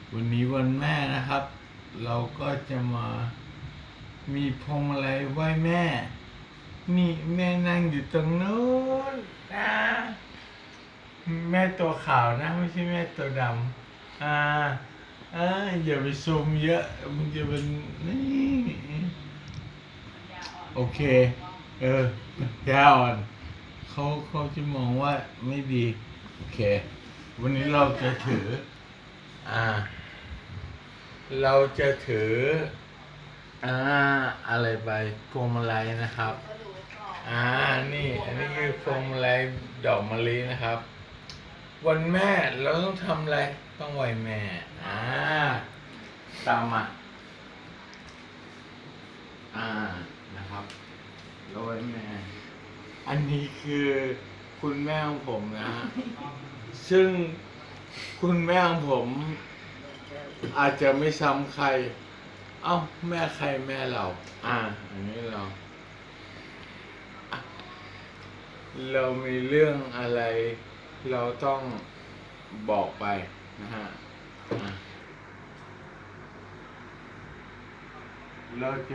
วันนี้วันแม่นะครับ เราก็จะมามีพวงมาลัยไหว้แม่ นี่แม่นั่งอยู่ตรงนู้นนะแม่ตัวขาวนะไม่ใช่แม่ตัวดำอย่าไปซูมเยอะมันจะเป็นนี่โอเคยาอ่อนเขาจะมองว่าไม่ดีโอเควันนี้เราจะถืออะไรไปพวงมาลัยนะครับนี่อันนี้คือพวงมาลัยดอกมะลินะครับวันแม่เราต้องทำอะไรต้องไหว้แม่ตามมานะครับเราไหว้แม่อันนี้คือคุณแม่ของผมนะฮะซึ่งคุณแม่ของผมอาจจะไม่ซ้ำใครแม่ใครแม่เราอันนี้เรามีเรื่องอะไรเราต้องบอกไปนะฮะเราจะ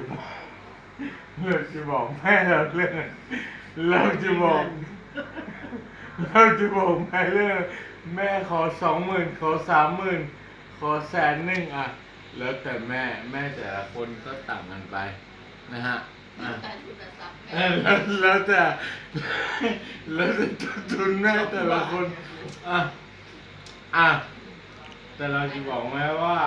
บอกแม่เราเรื่องเราจะบอกแม่เรื่องแม่ขอ 20,000 ขอ 30,000 ขอ100,000แล้วแต่แม่แต่ละคนก็ต่างกันไปนะฮะแล้วแต่ทุนแม่แต่ละคนแต่เราจะบอกแม่ว่า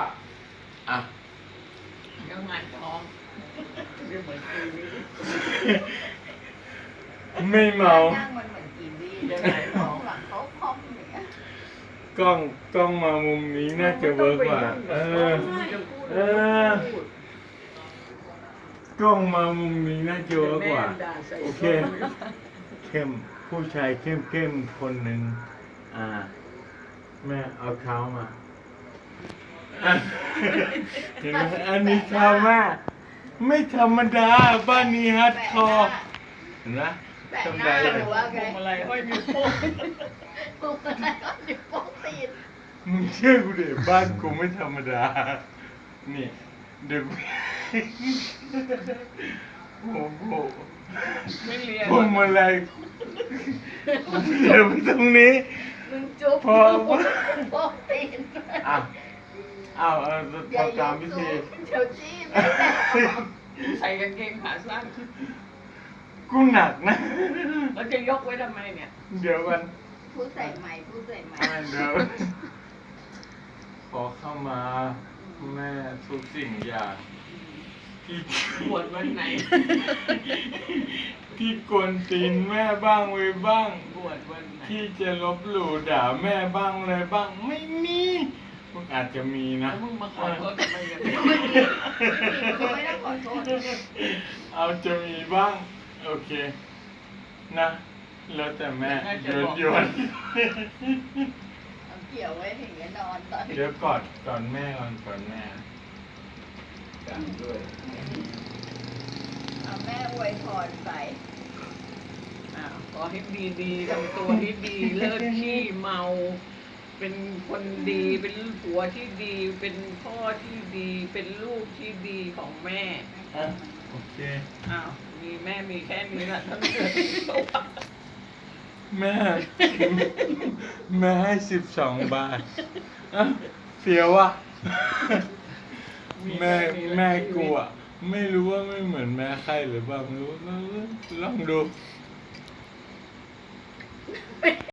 ยังไงท้องไม่เหมือนกีวีไม่เมานั่งมันเหมือนกีวียังไงท้องหลังเขาคอมเนี่ยกล้องมามุมนี้น่าจะเวิร์กกว่ากล้องมามุมนี้น่าจะเวิร์กกว่าโอเคเข้มผู้ชายเข้มคนหนึ่งแม่เอาเท้ามาเห็นไหมอันนี้เท้าแม่ไม่ธรรมดาบ้านนี้ฮัดคอร์เห็นไหมทำไรเลยพวงมาลัยห้อยนิ้วโป้งพวงมาลัยห้อยนิ้วโป้งตีนมึงเชื่อกูดิบ้านกูไม่ธรรมดานี่เดี๋ยวโอ้โหไม่เรียนพวงมาลัยเดี๋ยวไปตรงนี้มึงจุ๊บพอโป้งตีนตามพิธีเดี๋ยวจี้ไม่ได้ใส่กางเกงขาสั้นกูหนักนะแล้วจะยกไว้ทำไมเนี่ยเดี๋ยวกันผู้ใส่ใหม่เดี๋ยวขอเข้ามาแม่ทุกสิ่งอย่างที่บวชวันไหนที่กวนตีนแม่บ้างไว้บ้างบวชวันไหนที่จะลบหลู่ด่าแม่บ้างอะไรบ้างไม่มีมึงอาจจะมีนะมึงมาขอโทษทำไมกันไม่ได้ขอโทษเอาจะมีบ้างโอเคนะแล้วแต่แม่โยนเกี่ยวไว้ถึงจะนอนตอนเดี๋ยวก่อนแม่กันด้วยเอาแม่อวยพรไปขอให้ดีทำตัวให้ดีเลิกขี้เมาเป็นคนดีเป็นผัวที่ดีเป็นพ่อที่ดีเป็นลูกที่ดีของแม่โอเคมีแม่มีแค่นี้แหละทั้งแม่ให้12 บาทเสียวะแม่กูไม่รู้ว่าไม่เหมือนแม่ใครหรือเปล่าไม่รู้ลองดู